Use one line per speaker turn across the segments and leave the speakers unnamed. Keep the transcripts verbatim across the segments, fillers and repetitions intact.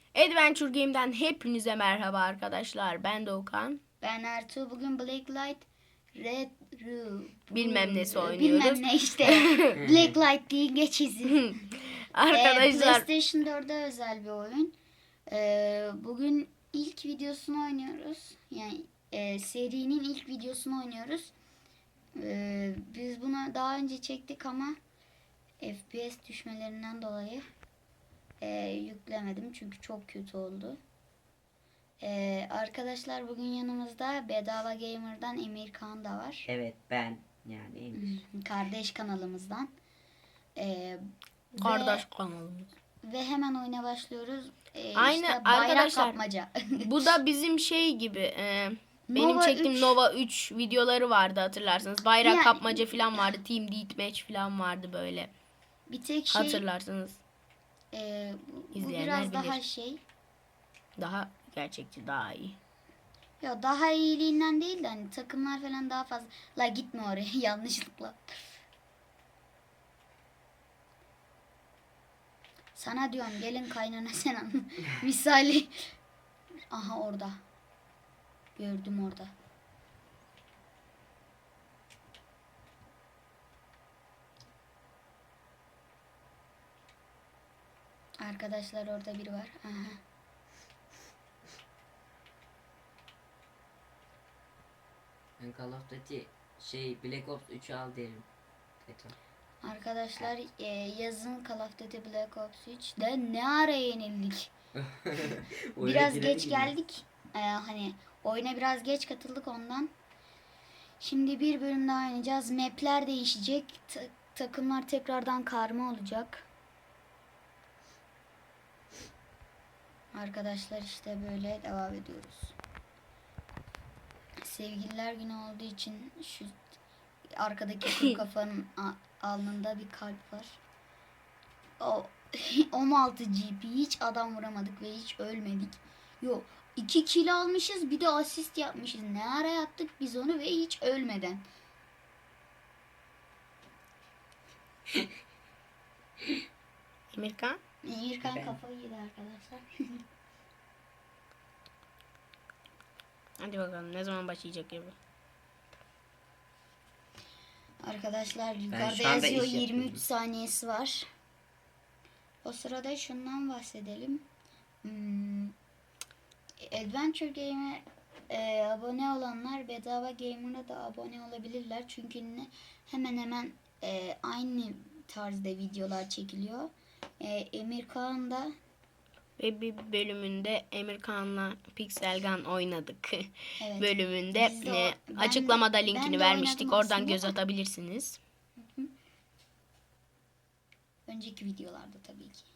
Adventure Game'den hepinize merhaba arkadaşlar. Ben Doğukan.
Ben Ertuğ. Bugün Blacklight Red Ru
Bilmem nesi
Ru-
oynuyoruz.
Bilmem ne işte. Blacklight değil, geçici.
Arkadaşlar
Ee, PlayStation dörde özel bir oyun. Ee, bugün ilk videosunu oynuyoruz. Yani e, serinin ilk videosunu oynuyoruz. Ee, biz bunu daha önce çektik ama F P S düşmelerinden dolayı e, yüklemedim. Çünkü çok kötü oldu. Ee, arkadaşlar bugün yanımızda Bedava Gamer'dan Emir Kağan da var.
Evet, ben yani Emir.
Kardeş kanalımızdan. Ee,
kardeş
ve,
kanalımız.
ve hemen oyuna başlıyoruz. Ee,
Aynen
işte bayrak
arkadaşlar.
kapmaca.
Bu da bizim şey gibi. E, benim
Nova
çektiğim
üç.
Nova üç videoları vardı hatırlarsınız. Bayrak
Yani-
kapmaca falan vardı. Team Deathmatch falan vardı böyle.
Bir tek şey
Hatırlarsınız.
e, bu, bu
İzleyenler
biraz daha
bilir.
şey.
Daha gerçekçi, daha iyi.
Ya daha iyiliğinden değil de hani takımlar falan daha fazla. La gitme oraya yanlışlıkla. Sana diyorum gelin kaynana sen anla. Misali. Aha orada. Gördüm orada. Arkadaşlar orada biri var. Aha.
Ben Call of Duty şey Black Ops üçü al derim. Beto.
Arkadaşlar e, yazın Call of Duty Black Ops üçte ne ara yenildik. Biraz
Öyle
geç
değil mi?
geldik. Ee, hani oyuna biraz geç katıldık ondan. Şimdi bir bölüm daha oynayacağız. Map'ler değişecek. Ta- takımlar tekrardan karma olacak. Arkadaşlar işte böyle devam ediyoruz. Sevgililer günü olduğu için şu arkadaki kuru kafanın a- alnında bir kalp var. O on altı G P, hiç adam vuramadık ve hiç ölmedik. Yok, iki kill almışız, bir de asist yapmışız. Ne ara yaptık biz onu ve hiç ölmeden.
Emirkan.
Emirkan
Ben-
kafayı yedi arkadaşlar.
Hadi bakalım ne zaman başlayacak gibi.
Arkadaşlar
şu
yukarıda
anda
yazıyor
iş
yirmi üç
yapıyorum.
saniyesi var. O sırada şundan bahsedelim. Hmm, Adventure Game'e e, abone olanlar Bedava Gamer'a da abone olabilirler. Çünkü ne, hemen hemen e, aynı tarzda videolar çekiliyor. E, Emir Kağan da
Ve bir bölümünde Emirkan'la Pixel Gun oynadık.
evet,
Bölümünde
biz de o-
e,
ben de-
açıklamada
ben
linkini
de
vermiştik.
oynadım
Oradan
aslında
göz
da.
atabilirsiniz.
önceki videolarda tabii ki.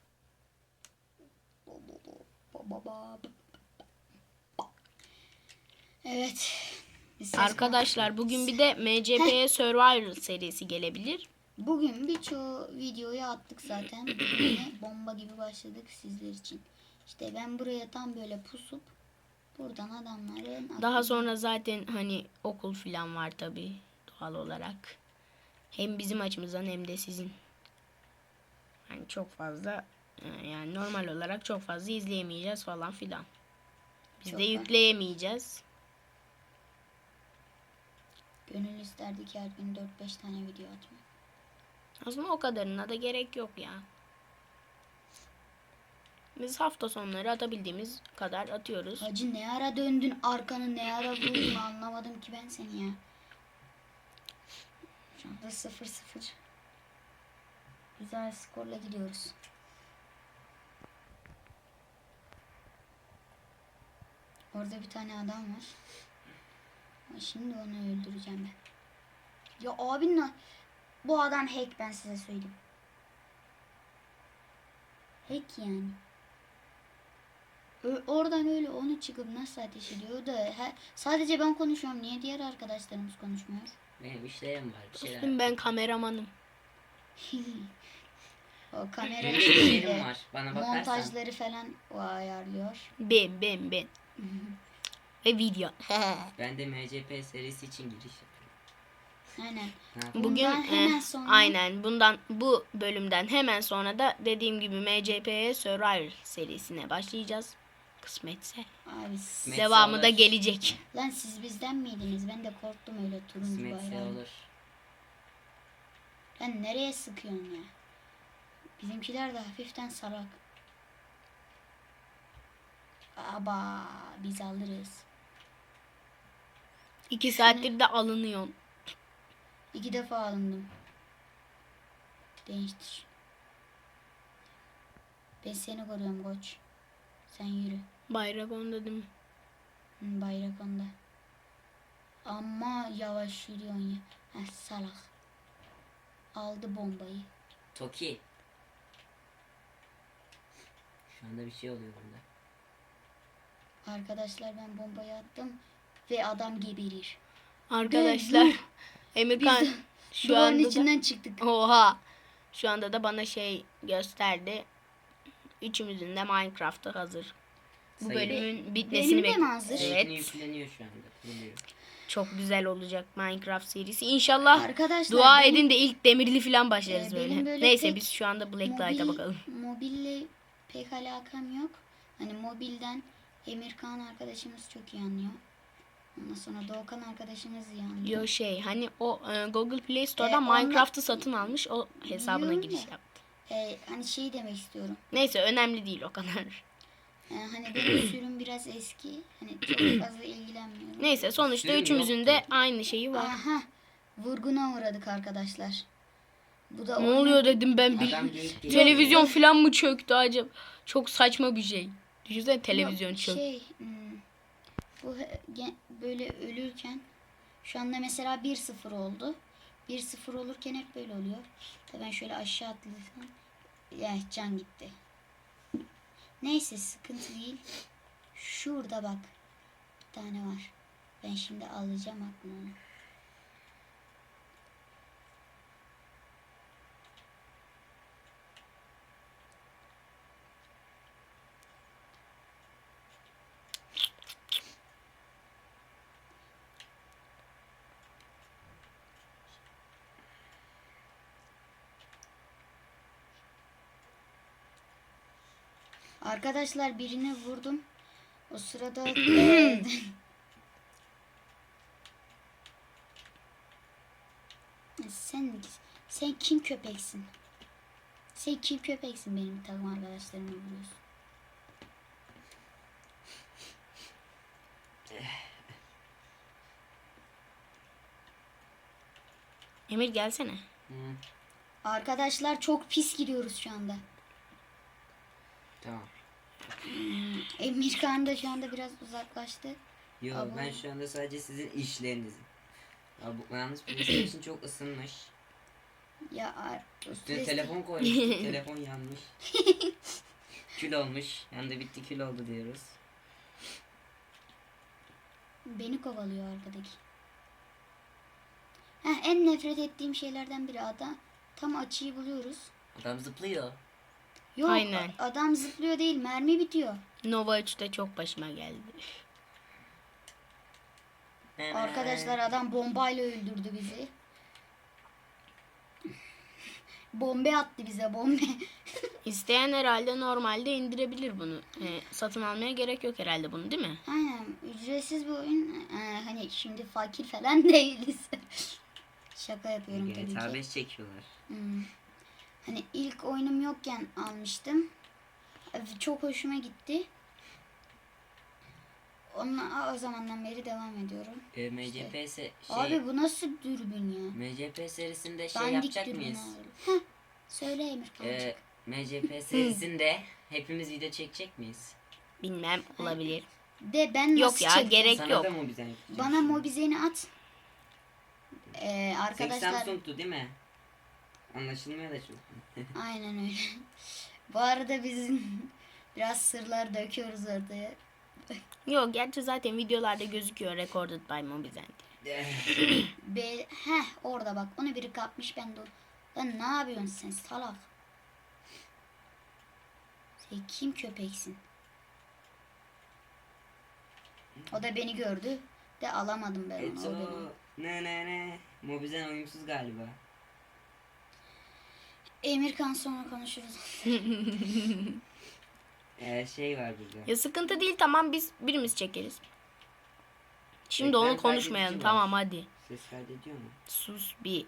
Evet. Ses-
Arkadaşlar bugün bir de M C P Survivor serisi gelebilir.
Bugün birçoğu videoyu attık zaten. Bugün yine bomba gibi başladık sizler için. İşte ben buraya tam böyle pusup buradan adamları
Daha sonra zaten hani okul falan var tabii doğal olarak. Hem bizim açımızdan hem de sizin. Yani çok fazla e, yani normal olarak çok fazla izleyemeyeceğiz falan filan. Biz
Çok
de
var.
yükleyemeyeceğiz.
gönül isterdi ki her gün dört beş tane video atmak.
Aslında o kadarına da gerek yok ya. Biz hafta sonları atabildiğimiz kadar atıyoruz.
Hacı ne ara döndün arkanı, ne ara vurdun, anlamadım ki ben seni ya. Şu anda sıfır sıfır. Güzel skorla gidiyoruz. Orada bir tane adam var. Ama şimdi onu öldüreceğim ben. Ya abinle bu adam hack, ben size söyleyeyim. Hack yani. Ö- oradan öyle onu çıkıp nasıl ateş ediyor? O da he- sadece ben konuşuyorum. Niye diğer arkadaşlarımız konuşmuyor?
Benim işlerim var, bir şeyler.
Dostum ben kameramanım.
O kamera
Benim
şeyi
işlerim
de,
var. Bana bakarsan.
montajları falan o ayarlıyor.
Ben ben ben. Ve video.
Ben de M C P serisi için giriş yapıyorum.
Aynen.
Ha,
Bugün
Bundan
e,
hemen sonra
aynen bundan bu bölümden hemen sonra da dediğim gibi M C P Survivor serisine başlayacağız. Kısmetse.
abi
Kısmet-
Devamı da
olur.
gelecek.
lan siz bizden miydiniz? Ben de korktum öyle turuncu
kısmetse
bayrağı.
olur.
Lan nereye sıkıyorsun ya? Bizimkiler de hafiften salak. Aba biz alırız.
İki saattir de alınıyor.
İki defa alındım. Değiştir. Ben seni koruyorum koç. Sen yürü.
Bayrak onda değil mi?
Hı, bayrak onda. Ama yavaş yürüyorsun ya. Heh, salak. Aldı bombayı.
Toki. Şu anda bir şey oluyor burada.
Arkadaşlar ben bombayı attım. Ve adam geberir.
Arkadaşlar
Biz
Emirkan
de
şu
duvarın
anda da,
içinden çıktık.
oha şu anda da bana şey gösterdi. Üçümüzün de Minecraft'ı hazır. Bu
Sayın.
bölümün bitmesini
Benim de mi
bekliyoruz.
hazır?
Evet.
Evet.
yükleniyor şu anda. Kuruluyor.
Çok güzel olacak Minecraft serisi. İnşallah
Arkadaşlar
dua
benim-
edin de ilk demirli falan başlarız
Ee,
böyle.
benim böyle
Neyse
pek
biz şu anda Blacklight'a
Mobil,
bakalım.
mobille pek alakam yok. Hani mobilden Emirkan arkadaşımız çok iyi anlıyor. Ondan sonra Doğukan arkadaşımız iyi anlıyor.
Yo şey hani o e, Google Play Store'da
Ee, onunla-
Minecraft'ı satın almış. O hesabına
Biliyorum
giriş
da.
yaptı.
Ee, hani şey demek istiyorum.
Neyse önemli değil o kadar.
Ee, hani benim sürüm biraz eski. Hani çok fazla ilgilenmiyorum.
Neyse sonuçta
Sürüm
üçümüzün
yok
de
ki.
aynı şeyi var.
Aha. Vurguna uğradık arkadaşlar. Bu da
Ne
oyunun-
oluyor dedim ben bir
Adam geyik geliyor.
televizyon falan mı çöktü acaba? Çok saçma bir şey. Düşünsene televizyon
Yok,
çöktü.
Şey, hmm, bu he- gen- böyle ölürken şu anda mesela bir sıfır oldu. bir sıfır olurken hep böyle oluyor. Tabii ben şöyle aşağı atlasam. Ya can gitti. Neyse sıkıntı değil. Şurada bak. Bir tane var. Ben şimdi alacağım aklıma onu. Arkadaşlar birini vurdum. O sırada eee, sen sen kim köpeksin? Sen kim köpeksin benim takım arkadaşlarıma vuruyorsun?
Emir gelsene.
Hı,
Arkadaşlar çok pis gidiyoruz şu anda.
tamam.
Emirkan da şu anda biraz uzaklaştı.
Yo
Abi-
ben şu anda sadece sizin işlerinizim. Ya bu yalnız PlayStation çok ısınmış.
Ya ar-
Üstüne
PlayStation-
telefon koymuştuk. Telefon yanmış. Kül olmuş. Yanında bitti kül oldu diyoruz.
Beni kovalıyor arkadaki. Heh, en nefret ettiğim şeylerden biri adam. Tam açıyı buluyoruz.
Adam zıplıyor.
Yok
Aynen.
adam zıplıyor değil, mermi bitiyor.
Nova üçte çok başıma geldi.
Arkadaşlar adam bombayla öldürdü bizi. Bombe attı bize bombe.
İsteyen herhalde normalde indirebilir bunu. E, satın almaya gerek yok herhalde bunu değil mi?
Aynen ücretsiz bir oyun. Ee, hani şimdi fakir falan değiliz. Şaka yapıyorum tabii
G T A
ki.
beş çekiyorlar.
Hmm. Hani ilk oyunum yokken almıştım. Çok hoşuma gitti. Onunla o zamandan beri devam ediyorum.
E, M C P se- şey,
Abi bu nasıl dürbün ya?
M C P serisinde şey
Dandik
yapacak
dürbün
mıyız?
abi. Heh, söyle Emir kancık.
E, M C P serisinde hepimiz video çekecek miyiz?
Bilmem olabilir.
De ben nasıl
Yok ya,
çekeceğim?
gerek
Sana
yok.
da mı bize?
Bana mobizeni at. Ee,
Arkadaşlar.
arkadaşlar
Samsung'tu değil mi? Anlaşılmıyor da çok.
aynen öyle. Bu arada biz biraz sırlar döküyoruz ortaya.
Yok gerçi zaten videolarda gözüküyor Recorded by Mobizent.
Be heh orada bak onu biri kapmış ben de o- Lan ne yapıyorsun sen salak? Sen kim köpeksin? O da beni gördü de alamadım ben onu. O
Eto.
beni.
Ne ne ne. Mobizen uyumsuz galiba.
Emirkan sonra konuşuruz.
Ee, şey var burada.
Ya sıkıntı değil, tamam, biz birimiz çekeriz. Şimdi
Ekran
onu konuşmayalım,
kaydedici var.
tamam hadi.
Ses kaydediyor mu?
Sus bir.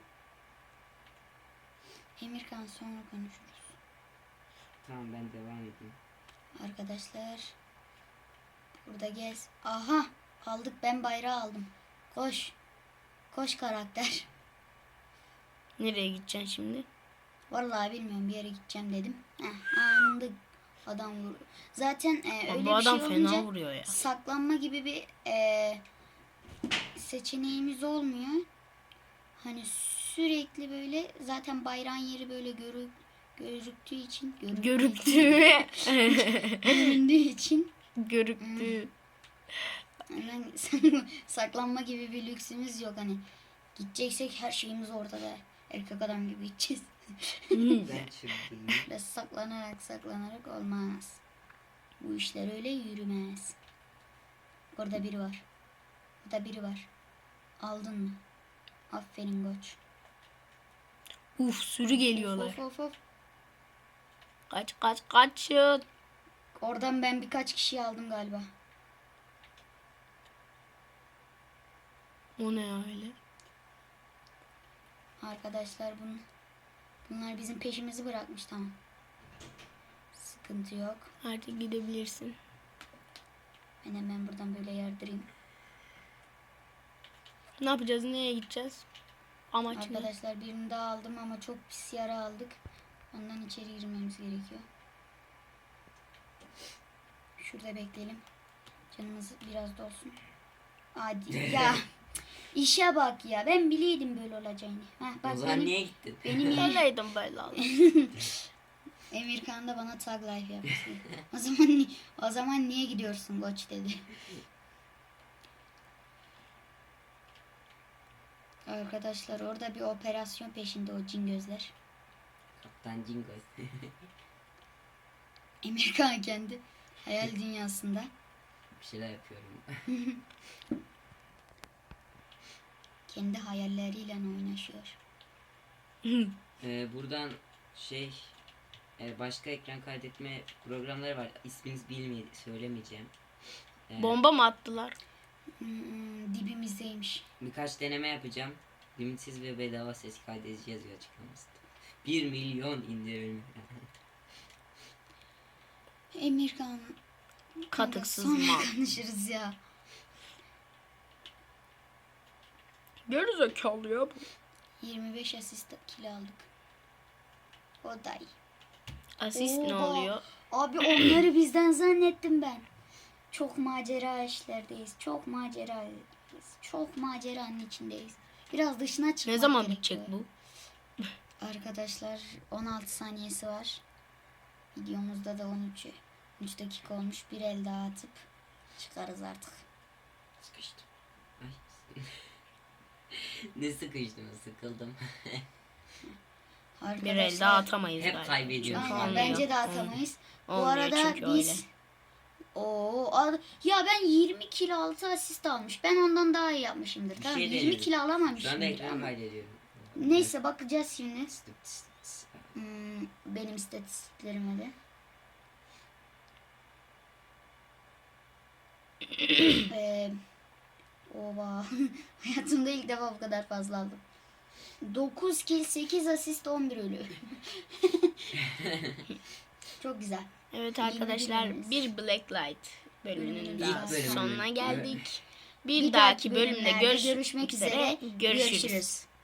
Emirkan sonra konuşuruz.
Tamam, ben devam edeyim.
Arkadaşlar. Burada gez. Aha. Aldık, ben bayrağı aldım. Koş. Koş karakter.
Nereye gideceksin şimdi?
Vallahi bilmiyorum, bir yere gideceğim dedim. Heh, anında adam vur. Zaten e,
Ama
öyle
bu
bir
adam
şey
fena
olunca
vuruyor ya.
saklanma gibi bir e, seçeneğimiz olmuyor. Hani sürekli böyle zaten bayrağın yeri böyle görü, görüktüğü için görüktüğü
Görüktü.
göründüğü için
Görüktü.
hemen saklanma gibi bir lüksümüz yok. Hani gideceksek her şeyimiz ortada. Erkek adam gibi gideceğiz.
Ben çıktım.
Ve saklanarak saklanarak olmaz. Bu işler öyle yürümez. Orada biri var. Orada biri var. Aldın mı? Aferin koç.
Uf, sürü geliyorlar.
Of of of.
Kaç kaç kaçın.
Oradan ben birkaç kişiyi aldım galiba.
O ne ya öyle?
Arkadaşlar bunun, bunlar bizim peşimizi bırakmış, tamam. Sıkıntı yok.
Artık gidebilirsin.
Ben hemen buradan böyle yardırayım.
Ne yapacağız? Nereye gideceğiz? Amaç ne?
Arkadaşlar birini daha aldım ama çok pis yara aldık. Ondan içeri girmemiz gerekiyor. Şurada bekleyelim. Canımız biraz da olsun. Hadi ya. İşe bak ya. Ben biliyordum böyle olacağını. Heh, bak
O zaman
benim,
niye gittin?
benim yerim.
Böyleydim böyle oldu.
Emirkan da bana tag life yapmıştı. O zaman ni- o zaman niye gidiyorsun koç dedi. Arkadaşlar orada bir operasyon peşinde o cin gözler.
Kaptan Jingoz.
Emirkan kendi hayal dünyasında.
Bir şeyler yapıyorum.
Kendi hayalleriyle oynaşıyor.
Ee, buradan şey e, başka ekran kaydetme programları var. İsminiz bilmeye söylemeyeceğim. Ee,
Bomba mı attılar?
Hmm, dibimizdeymiş.
Birkaç deneme yapacağım. Limitsiz ve bedava ses kaydedici yazıyor açıklamasında. bir milyon indirim.
Emirkan.
Katıksız
Sonra
mal.
konuşuruz ya.
Gerizekalı ya bu.
yirmi beş asist kill aldık. O da iyi.
Asist ne
Oha.
oluyor?
Abi onları bizden zannettim ben. Çok macera işlerdeyiz. Çok macerayız. Çok maceranın içindeyiz. Biraz dışına çıkmak
Ne zaman
gerekiyor.
bitecek bu?
Arkadaşlar on altı saniyesi var. Videomuzda da on üç üç dakika olmuş. Bir el daha atıp çıkarız artık.
Sıkıştım. Ay. ne sıkıştım, sıkıldım.
Arkadaşlar,
Bir el daha atamayız
Hep
galiba.
kaybediyoruz.
Çünkü
Aynen,
olmuyor.
bence de atamayız. Bu
Olmuyor
arada
çünkü
biz
öyle.
Oo, al- ya ben yirmi kilo altı asist almış. Ben ondan daha iyi yapmışımdır.
Bir
Tamam,
şey
yirmi
deniyorum.
kilo
Şu anda
alamamışımdır
ekran
ama.
kaydediyorum.
Neyse bakacağız şimdi.
Tıs tıs tıs.
Hmm, benim istatistiklerime de. ee, Oba. Hayatımda ilk defa bu kadar fazla aldım. dokuz kill, sekiz asist, on bir ölü. Çok güzel.
Evet
İyi
arkadaşlar,
bölümümüz.
bir Blacklight bölümünün
Bölümümüz
daha
İlk bölümü.
sonuna geldik. Bir,
Bir
dahaki
dahaki
bölümde
bölümlerde
görüş
görüşmek üzere.
Görüşürüz.
Görüşürüz.